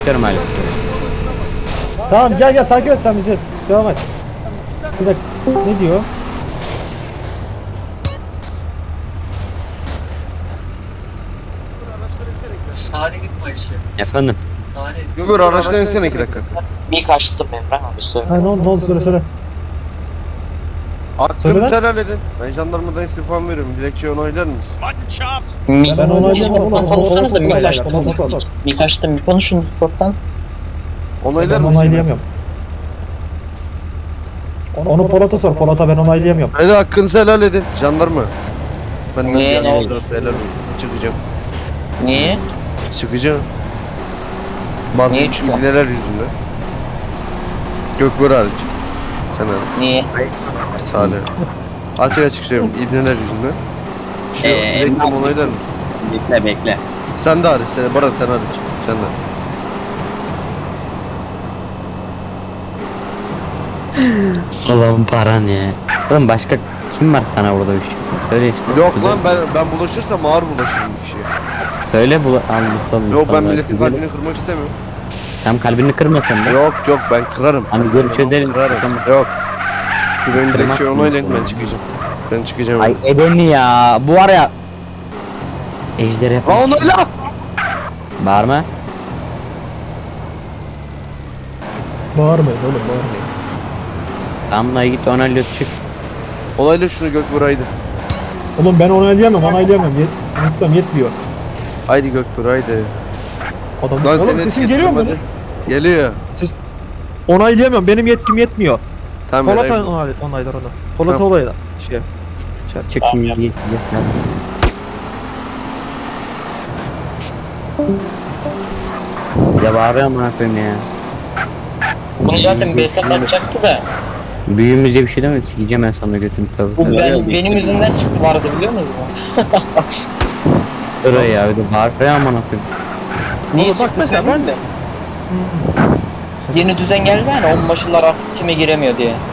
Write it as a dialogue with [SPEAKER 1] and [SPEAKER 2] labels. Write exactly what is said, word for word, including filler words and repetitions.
[SPEAKER 1] maalesef.
[SPEAKER 2] Tamam gel gel takip et sen bizi. Devam et. Bir dakika. Ne diyor?
[SPEAKER 3] Sahne gitme işi.
[SPEAKER 1] Efendim.
[SPEAKER 3] Sahne.
[SPEAKER 4] Göbür araçtan insene iki dakika.
[SPEAKER 3] Bir kaçtım Emrah abi söyle.
[SPEAKER 2] Ha, ne oldu ne oldu söyle söyle.
[SPEAKER 4] Hakkınızı
[SPEAKER 2] Söyle lan.
[SPEAKER 4] helal edin. Ben jandarmadan istifam veriyorum. Dilekçeyi onaylar mısın?
[SPEAKER 3] Mi
[SPEAKER 2] Ben onaylayamam.
[SPEAKER 3] Discord'dan konuşsanıza mi
[SPEAKER 2] Onayla,
[SPEAKER 3] kaçtım?
[SPEAKER 2] onayla.
[SPEAKER 3] Mi kaçtım bir konuşun Discord'dan.
[SPEAKER 4] Onaylar
[SPEAKER 2] Ben
[SPEAKER 4] mısın?
[SPEAKER 2] onaylayamıyorum. Onu Polat'a sor. Polat'a ben onaylayamıyorum.
[SPEAKER 4] Hadi hakkınızı helal edin. Jandarma. Benden
[SPEAKER 3] Niye,
[SPEAKER 4] bir
[SPEAKER 3] ne
[SPEAKER 4] yanınız
[SPEAKER 3] oldu?
[SPEAKER 4] varsa helal olsun. Çıkacağım.
[SPEAKER 3] Niye?
[SPEAKER 4] Çıkacağım. Bazı
[SPEAKER 3] Niye çıkıyor?
[SPEAKER 4] ibneler yüzünden. Gökbur hariç. Sen hariç.
[SPEAKER 3] Niye?
[SPEAKER 4] Salih. Açık açık söylüyorum. İbneler yüzünden. Şu
[SPEAKER 1] Ee,
[SPEAKER 4] dilekçemi
[SPEAKER 1] ne
[SPEAKER 4] onaylar mısın?
[SPEAKER 1] Bekle bekle.
[SPEAKER 4] Sen de hariç. Sen, Baran sen hariç. Sen de hariç.
[SPEAKER 1] Oğlum paran ya. Oğlum başka kim var sana burada bir şey? Söyle işte.
[SPEAKER 4] Yok lan ben ben bulaşırsam ağır bulaşırım bir kişiye.
[SPEAKER 1] Söyle bu anlatalım.
[SPEAKER 4] Yok ben milletin kalbini kırmak istemiyorum.
[SPEAKER 1] Tam kalbini kırmasan da.
[SPEAKER 4] Yok yok ben kırarım.
[SPEAKER 1] Hani
[SPEAKER 4] Ben
[SPEAKER 1] görüş
[SPEAKER 4] kırarım,
[SPEAKER 1] ederiz.
[SPEAKER 4] Kırarım.
[SPEAKER 1] Tamam.
[SPEAKER 4] Yok. Şu benim
[SPEAKER 1] Kırmak
[SPEAKER 4] dilekçeyi
[SPEAKER 1] mı?
[SPEAKER 4] onaylayın ben çıkacağım. Ben çıkacağım.
[SPEAKER 1] Ay edeni ya. Bu var ya. Ejder yapar.
[SPEAKER 4] Aa onayla!
[SPEAKER 1] Bağırma.
[SPEAKER 2] Bağırmayın oğlum bağırmayın.
[SPEAKER 1] Tamam lan git onaylıyor çık.
[SPEAKER 4] Onayla şunu Gökbur haydi.
[SPEAKER 2] Oğlum ben onaylayamam onaylayamam. Yet Yetmem yetmiyor.
[SPEAKER 4] Haydi Gökbur haydi.
[SPEAKER 2] Adam.
[SPEAKER 4] Lan
[SPEAKER 2] Oğlum
[SPEAKER 4] seni
[SPEAKER 2] sesim geliyor mu?
[SPEAKER 4] hadi. Geliyor.
[SPEAKER 2] Siz onaylayamıyorum. Benim yetkim yetmiyor.
[SPEAKER 4] Tamam.
[SPEAKER 2] Polat
[SPEAKER 4] helal.
[SPEAKER 2] onay, onaylar onu. Polat
[SPEAKER 4] Tamam.
[SPEAKER 2] olayla. Şey.
[SPEAKER 1] Çık şimdi git. Ya bağırıyor amına koyayım ya.
[SPEAKER 3] Bunu zaten Behzat atacaktı da.
[SPEAKER 1] Büyüğümüze bir şey demedi. Sikeceğim ben sana götünü tabii.
[SPEAKER 3] Bu ben, benim yüzümden çıktı vardı biliyor musunuz bu?
[SPEAKER 1] Öyle ya bir de bağırıyor amına koyayım.
[SPEAKER 3] Niye
[SPEAKER 2] Oğlum bak
[SPEAKER 3] çıktı
[SPEAKER 2] mesela
[SPEAKER 3] sen
[SPEAKER 2] ben-
[SPEAKER 3] de? Yeni düzen geldi hani onbaşılar artık time giremiyor diye.